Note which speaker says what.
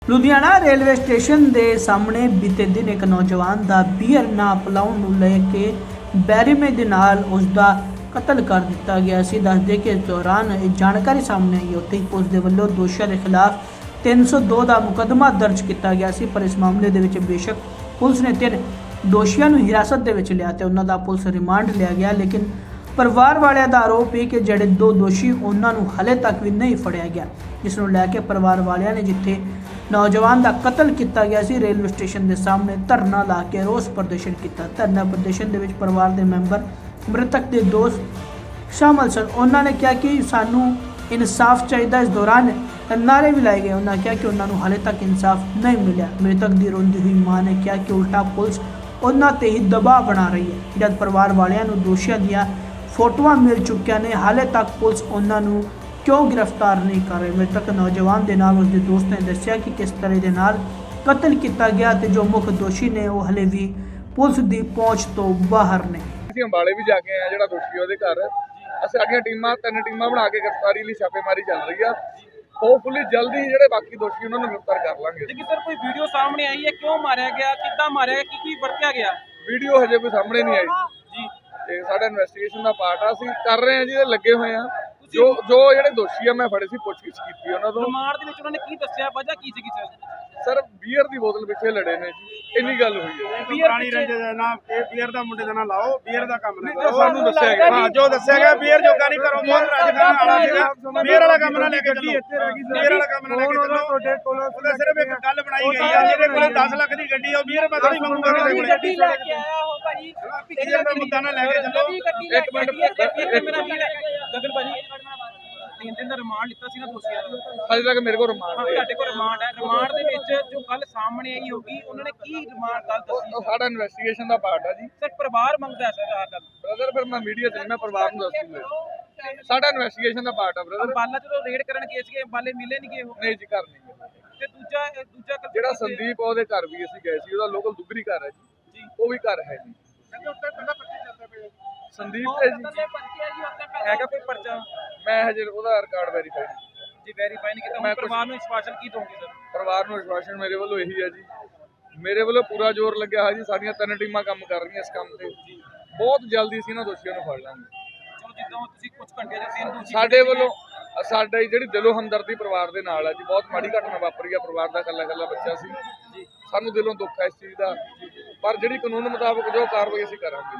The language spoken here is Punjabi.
Speaker 1: ਲੁਧਿਆਣਾ ਰੇਲਵੇ ਸਟੇਸ਼ਨ ਦੇ ਸਾਹਮਣੇ ਬੀਤੇ ਦਿਨ ਇੱਕ ਨੌਜਵਾਨ ਦਾ ਬੀਅਰ ਨਾ ਪਿਲਾਉਣ ਨੂੰ ਲੈ ਕੇ ਬੈਰੀਮੇ ਦੇ ਨਾਲ ਉਸ ਦਾ ਕਤਲ ਕਰ ਦਿੱਤਾ ਗਿਆ ਸੀ। ਦੱਸਦੇ ਕਿ ਇਸ ਦੌਰਾਨ ਇਹ ਜਾਣਕਾਰੀ ਸਾਹਮਣੇ ਆਈ ਉੱਥੇ ਹੀ ਪੁਲਿਸ ਦੇ ਵੱਲੋਂ ਦੋਸ਼ੀਆਂ ਦੇ ਖਿਲਾਫ 302 ਦਾ ਮੁਕੱਦਮਾ ਦਰਜ ਕੀਤਾ ਗਿਆ ਸੀ। ਪਰ ਇਸ ਮਾਮਲੇ ਦੇ ਵਿੱਚ ਬੇਸ਼ੱਕ ਪੁਲਿਸ ਨੇ 3 ਦੋਸ਼ੀਆਂ ਨੂੰ ਹਿਰਾਸਤ ਦੇ ਵਿੱਚ ਲਿਆ ਤੇ ਉਹਨਾਂ ਦਾ ਪੁਲਿਸ ਰਿਮਾਂਡ ਲਿਆ ਗਿਆ, ਲੇਕਿਨ ਪਰਿਵਾਰ ਵਾਲਿਆਂ ਦਾ ਆਰੋਪ ਹੈ ਕਿ ਜਿਹੜੇ 2 ਦੋਸ਼ੀ ਉਹਨਾਂ ਨੂੰ ਹਲੇ ਤੱਕ ਵੀ ਨਹੀਂ ਫੜਿਆ ਗਿਆ, ਜਿਸ ਨੂੰ ਲੈ ਕੇ ਪਰਿਵਾਰ ਵਾਲਿਆਂ ਨੇ ਜਿੱਥੇ ਨੌਜਵਾਨ ਦਾ ਕਤਲ ਕੀਤਾ ਗਿਆ ਸੀ ਰੇਲਵੇ ਸਟੇਸ਼ਨ ਦੇ ਸਾਹਮਣੇ ਧਰਨਾ ਲਾ ਕੇ ਰੋਸ ਪ੍ਰਦਰਸ਼ਨ ਕੀਤਾ। ਧਰਨਾ ਪ੍ਰਦਰਸ਼ਨ ਦੇ ਵਿੱਚ ਪਰਿਵਾਰ ਦੇ ਮੈਂਬਰ ਮ੍ਰਿਤਕ ਦੇ ਦੋਸਤ ਸ਼ਾਮਲ ਸਨ। ਉਹਨਾਂ ਨੇ ਕਿਹਾ ਕਿ ਸਾਨੂੰ ਇਨਸਾਫ ਚਾਹੀਦਾ। ਇਸ ਦੌਰਾਨ ਨਾਰੇ ਵੀ ਲਾਏ ਗਏ। ਉਹਨਾਂ ਕਿਹਾ ਕਿ ਉਹਨਾਂ ਨੂੰ ਹਾਲੇ ਤੱਕ ਇਨਸਾਫ ਨਹੀਂ ਮਿਲਿਆ। ਮ੍ਰਿਤਕ ਦੀ ਰੋਂਦੀ ਹੋਈ ਮਾਂ ਨੇ ਕਿਹਾ ਕਿ ਉਲਟਾ ਪੁਲਿਸ ਉਹਨਾਂ ਤੇ ਹੀ ਦਬਾਅ ਬਣਾ ਰਹੀ ਹੈ। ਜਦ ਪਰਿਵਾਰ ਵਾਲਿਆਂ ਨੂੰ ਦੋਸ਼ੀਆਂ ਦੀਆਂ ਫੋਟੋਆਂ ਮਿਲ ਚੁੱਕੀਆਂ ਨੇ, ਹਾਲੇ ਤੱਕ ਪੁਲਿਸ ਉਹਨਾਂ ਨੂੰ ਕਿਉਂ ਗ੍ਰਿਫਤਾਰ ਨਹੀਂ ਕਰ ਰਹੀ। ਮ੍ਰਿਤਕ ਨੌਜਵਾਨ ਦੇ ਨਾਲ ਉਸਦੇ ਦੋਸਤ ਨੇ ਦੱਸਿਆ ਕਿ ਕਿਸ ਤਰ੍ਹਾਂ ਦੇ ਨਾਲ ਕਤਲ ਕੀਤਾ ਗਿਆ ਤੇ ਜੋ ਮੁੱਖ ਦੋਸ਼ੀ ਨੇ ਉਹ ਹਲੇ ਵੀ ਪੁਲਿਸ ਦੀ ਪਹੁੰਚ ਤੋਂ ਬਾਹਰ ਨੇ।
Speaker 2: ਅਸੀਂ ਅੰਬਾਲੇ ਵੀ ਜਾ ਕੇ ਆਏ, ਜਿਹੜਾ ਦੋਸ਼ੀ ਉਹਦੇ ਘਰ ਸਾਡੀਆਂ ਟੀਮਾਂ 3 ਟੀਮਾਂ ਬਣਾ ਕੇ ਗ੍ਰਿਫਤਾਰੀ ਲਈ ਛਾਪੇਮਾਰੀ ਚੱਲ ਰਹੀ ਆ। ਹੋਪਫੁਲੀ ਜਲਦੀ ਜਿਹੜੇ ਬਾਕੀ ਦੋਸ਼ੀ ਉਹਨਾਂ ਨੂੰ ਗ੍ਰਿਫਤਾਰ ਕਰ ਲਾਂਗੇ।
Speaker 3: ਲੇਕਿਨ ਸਰ ਕੋਈ ਵੀਡੀਓ ਸਾਹਮਣੇ ਆਈ ਹੈ, ਕਿਉਂ ਮਾਰਿਆ ਗਿਆ, ਕਿੱਦਾਂ ਮਾਰਿਆ ਗਿਆ, ਕੀ ਵਰਤਿਆ ਗਿਆ?
Speaker 2: ਵੀਡੀਓ ਹਜੇ ਕੋਈ ਸਾਹਮਣੇ ਨਹੀਂ ਆਈ ਜੀ, ਤੇ ਸਾਡਾ ਇਨਵੈਸਟੀਗੇਸ਼ਨ ਦਾ ਪਾਰਟ ਆ, ਅਸੀਂ ਕਰ ਰਹੇ ਹਾਂ ਜੀ, ਲੱਗੇ ਹੋਏ ਆ। ਜੋ ਜਿਹੜੇ ਦੋਸ਼ੀ ਆ ਮੈਂ ਫੜੇ ਸੀ, ਪੁੱਛਗਿੱਛ ਕੀਤੀ ਉਹਨਾਂ ਤੋਂ।
Speaker 3: ਰਿਮਾਂਡ ਦੇ ਵਿੱਚ ਉਹਨਾਂ ਨੇ ਕੀ ਦੱਸਿਆ, ਵਜ੍ਹਾ ਕੀ ਸੀਗੀ
Speaker 2: ਸਰ ਬੀਅਰ ਦੀ ਬੋਤਲ ਪਿੱਛੇ ਲੜੇ ਨੇ ਜੀ, ਇੰਨੀ ਗੱਲ ਹੋਈ ਹੈ।
Speaker 4: ਪੁਰਾਣੀ ਰੰਜੇ ਦਾ ਨਾਮ ਇਹ ਬੀਅਰ ਦਾ ਮੁੰਡੇ ਦਾ ਨਾਮ ਲਾਓ, ਬੀਅਰ ਦਾ ਕੰਮ ਨਾ ਕਰੋ।
Speaker 2: ਸਾਨੂੰ ਦੱਸਿਆ ਗਿਆ,
Speaker 4: ਹਾਂ ਜੋ ਦੱਸਿਆ ਗਿਆ ਬੀਅਰ ਜੋਗਾ ਨਹੀਂ ਕਰੋ, ਬਹੁਤ ਰਾਜਖਾਨਾ ਵਾਲਾ ਸੀਗਾ। ਬੀਅਰ ਵਾਲਾ ਕੰਮ ਨਾ ਲੈ ਕੇ ਚੱਲੋ, ਬੀਅਰ ਵਾਲਾ ਕੰਮ ਨਾ ਲੈ ਕੇ ਚੱਲੋ। ਉਹਦਾ ਸਿਰਫ ਇੱਕ ਗੱਲ ਬਣਾਈ ਗਈ ਆ, ਜਿਹਦੇ ਕੋਲ 10 ਲੱਖ ਦੀ ਗੱਡੀ ਆ, ਬੀਅਰ ਮੈਂ ਥੋੜੀ ਮੰਗੂਗਾ ਕਿਸੇ ਕੋਲੇ।
Speaker 3: ਗੱਡੀ ਲੈ ਕੇ ਆਇਆ ਹੋ ਭਾਈ,
Speaker 4: ਬੀਅਰ ਦਾ ਮੁੱਦਾ ਨਾ ਲੈ ਕੇ ਚੱਲੋ।
Speaker 2: ਇੱਕ ਮਿੰਟ
Speaker 3: ਮੇਰਾ ਵੀਰ ਗਗਨ ਭਾਜੀ 3 ਦਿਨ ਦਾ ਰਿਮਾਂਡ ਲਿੱਤਾ ਸੀ ਨਾ ਦੋਸ਼ੀਆਂ ਦਾ,
Speaker 2: ਹਜੇ ਤੱਕ ਮੇਰੇ ਕੋਲ ਰਿਮਾਂਡ ਹੈ।
Speaker 3: ਤੁਹਾਡੇ ਕੋਲ ਰਿਮਾਂਡ ਹੈ। ਰਿਮਾਂਡ ਦੇ ਵਿੱਚ ਜੋ ਗੱਲ ਸਾਹਮਣੇ ਆਈ ਹੋਗੀ, ਉਹਨਾਂ ਨੇ ਕੀ ਰਿਮਾਂਡ ਗੱਲ ਦੱਸੀ?
Speaker 2: ਉਹ ਸਾਡਾ ਇਨਵੈਸਟੀਗੇਸ਼ਨ ਦਾ ਪਾਰਟ ਆ ਜੀ।
Speaker 3: ਸਰ ਪਰਿਵਾਰ ਮੰਗਦਾ ਹੈ ਸਰ ਆਹ ਗੱਲ।
Speaker 2: ਬ੍ਰਦਰ ਫਿਰ ਮੈਂ ਮੀਡੀਆ ਤੇ ਮੈਂ ਪਰਿਵਾਰ ਨੂੰ ਦੱਸ ਦੂੰਗਾ। ਸਾਡਾ ਇਨਵੈਸਟੀਗੇਸ਼ਨ ਦਾ ਪਾਰਟ ਆ ਬ੍ਰਦਰ।
Speaker 3: ਅੰਬਾਲਾ ਜਦੋਂ ਰੇਡ ਕਰਨ ਗਏ ਸੀਗੇ, ਅੰਬਾਲੇ ਮਿਲੇ ਨਹੀਂ ਗਏ ਉਹ?
Speaker 2: ਨਹੀਂ ਜੀ, ਘਰ ਨਹੀਂ ਗਏ।
Speaker 3: ਤੇ ਦੂਜਾ
Speaker 2: ਜਿਹੜਾ ਸੰਦੀਪ ਉਹਦੇ ਘਰ ਵੀ ਅਸੀਂ ਗਏ ਸੀ, ਉਹਦਾ ਲੋਕਲ ਦੁੱਗਰੀ ਘਰ ਹੈ ਜੀ, ਉਹ ਵੀ ਘਰ ਹੈ ਜੀ। ਸੰਦੀਪ ਹੈ ਜੀ,
Speaker 3: ਹੈਗਾ ਕੋਈ ਪਰਚਾ?
Speaker 2: ਮੈਂ ਹਜੇ ਉਹਦਾ ਰਿਕਾਰਡ ਵੈਰੀਫਾਈ
Speaker 3: ਜੀ ਵੈਰੀਫਾਈ ਨਹੀਂ ਕੀਤਾ।
Speaker 2: ਮੈਂ
Speaker 3: ਪਰਿਵਾਰ ਨੂੰ ਵਿਸ਼ਵਾਸਨ ਕੀ ਦੋਗੇ ਸਰ?
Speaker 2: ਪਰਿਵਾਰ ਨੂੰ ਵਿਸ਼ਵਾਸਨ ਮੇਰੇ ਵੱਲੋਂ ਇਹੀ ਹੈ ਜੀ, ਮੇਰੇ ਵੱਲੋਂ ਪੂਰਾ ਜ਼ੋਰ ਲੱਗਿਆ ਹੈ ਜੀ। ਸਾਡੀਆਂ 3 ਟੀਮਾਂ ਕੰਮ ਕਰ ਰਹੀਆਂ ਇਸ ਕੰਮ ਤੇ। ਬਹੁਤ ਜਲਦੀ ਅਸੀਂ ਇਹਨਾਂ ਦੋਸ਼ੀਆਂ ਨੂੰ ਫੜ ਲਾਂਗੇ।
Speaker 3: ਚਲੋ ਜਿੱਦਾਂ ਤੁਸੀਂ ਕੁਝ ਘੰਟੇ ਜਾਂ 3 ਦੋਸ਼ੀ
Speaker 2: ਸਾਡੇ ਵੱਲੋਂ ਸਾਡਾ ਜਿਹੜੀ ਦਿਲੋਂ ਹਮਦਰਦੀ ਪਰਿਵਾਰ ਦੇ ਨਾਲ ਹੈ ਜੀ। ਬਹੁਤ ਮਾੜੀ ਘਟਨਾ ਵਾਪਰੀ ਆ, ਪਰਿਵਾਰ ਦਾ ਇਕੱਲਾ ਬੱਚਾ ਸੀ। ਸਾਨੂੰ ਦਿਲੋਂ ਦੁੱਖ ਹੈ ਇਸ ਚੀਜ਼ ਦਾ, ਪਰ ਜਿਹੜੀ ਕਾਨੂੰਨ ਮੁਤਾਬਕ ਜੋ ਕਾਰਵਾਈ ਅਸੀਂ ਕਰਾਂਗੇ।